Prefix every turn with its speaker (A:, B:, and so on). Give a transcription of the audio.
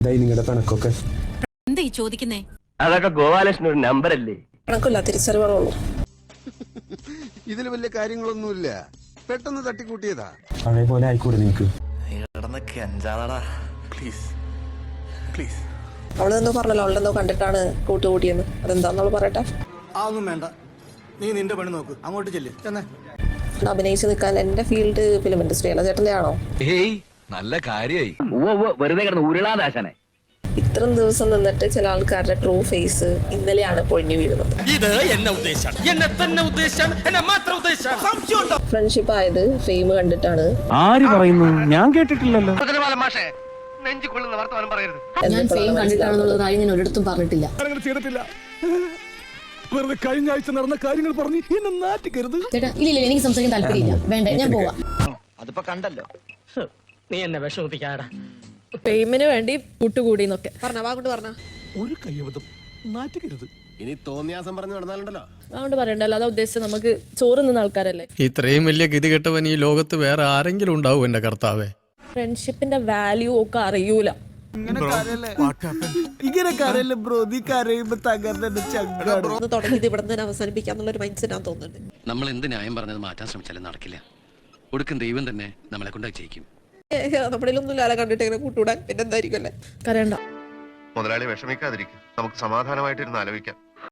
A: നിങ്ങളുടെ കണക്കൊക്കെ
B: എന്താ ഈ ചോദിക്കുന്നേ?
C: അതൊക്കെ ഗോപാലകൃഷ്ണൻ ഒരു നമ്പർ അല്ലേ?
D: കണക്കില്ല, തിരിച്ചറിവുകളുള്ളൂ.
E: ഇതിൽ വലിയ കാര്യങ്ങളൊന്നുമില്ല, പെട്ടെന്ന് തട്ടിക്കൂട്ടിയതാ.
A: പഴയ പോലെ ആയിക്കൂടെ നിനക്ക്?
D: അവളെന്തോ പറഞ്ഞല്ലോ, അവളെന്തോ കണ്ടിട്ടാണ് കൂട്ടുകൂടിയെന്ന്. അതെന്താന്നവള് പറയട്ടെ.
F: അതൊന്നും വേണ്ട, നീ നിന്റെ പണി നോക്ക്, അങ്ങോട്ട് ചെല്ല്. ചെന്നേ
D: അഭിനയിച്ച് നിൽക്കാൻ എന്റെ ഫീൽഡ് ഫിലിം ഇൻഡസ്ട്രി അല്ല, ചേട്ടന്റെ ആണോ?
C: നല്ല കാര്യമായി. വെറുതെ കിടന്ന് ഉരുളാദാശനെ.
D: ഇത്രയും ദിവസം നിന്നിട്ട് ചില ആൾക്കാരുടെ ട്രൂ ഫേസ് ഇന്നലെയാണ് പൊഴിഞ്ഞു വീഴുന്നത്. ഫ്രണ്ട്ഷിപ്പ് ആയത് ഫെയിം കണ്ടിട്ടാണ്.
A: ആര് പറയുന്നു? ഞാൻ കേട്ടിട്ടില്ലല്ലോ.
G: ഞാൻ ഫെയിം കണ്ടിട്ടാണെന്നുള്ള കാര്യം ഞാൻ ഒരിടത്തും പറഞ്ഞിട്ടില്ല.
F: വെറുതെ കഴിഞ്ഞ ആഴ്ച നടന്ന കാര്യങ്ങൾ പറഞ്ഞ് എന്നെ നാട്ടിക്കരുത്.
G: ചേട്ടാ ഇല്ല, എനിക്ക് സംസാരിക്കാൻ താല്പര്യമില്ല. വേണ്ട, ഞാൻ പോവാം.
C: അതിപ്പോ കണ്ടല്ലോ, നീ എന്നെ വിഷമിപ്പിക്കാടാ.
H: ഫെയിമിന് വേണ്ടി കൂട്ടുകൂടി എന്നൊക്കെ
F: ഒരു കയ്യബദ്ധം, നാട്ടിക്കരുത്.
E: ഇനി തോന്നിയാസം പറഞ്ഞു നടന്നാലുണ്ടല്ലോ.
H: അതുകൊണ്ട് പറയണ്ടല്ലോ, അതാ ഉദ്ദേശിച്ചത്. നമുക്ക് ചോറ് നിന്ന ആൾക്കാരല്ലേ.
I: ഇത്രയും വലിയ ഗതികെട്ടവൻ ഈ ലോകത്ത് വേറെ ആരെങ്കിലും ഉണ്ടാവും എന്റെ കർത്താവേ?
H: ഫ്രണ്ട്ഷിപ്പിന്റെ വാല്യൂ ഒക്കെ അറിയൂല.
F: ഇങ്ങനെ കരയല്ലേ ബ്രോ, നീ കരയുമ്പോ
D: തുടങ്ങിയത് ഇവിടെ നിന്ന് അവസാനിപ്പിക്കാന്നുള്ള ഒരു മൈൻഡ് സെറ്റ് തോന്നുന്നുണ്ട്.
J: നമ്മൾ എന്ത് ന്യായം പറഞ്ഞത് മാറ്റാൻ ശ്രമിച്ചാലും നടക്കില്ല. ഒടുക്കം ദൈവം തന്നെ നമ്മളെ കൊണ്ട് ജയിക്കും.
D: നമ്മുടെ ഒന്നും ലാല കണ്ടിട്ട് ഇങ്ങനെ കൂട്ടുകൂടാൻ പിന്നെ എന്തായിരിക്കും അല്ലേ?
H: കരയണ്ട
K: മുതലാളി വിഷമിക്കാതിരിക്കും, നമുക്ക് സമാധാനമായിട്ടിരുന്ന് ആലോചിക്കാം.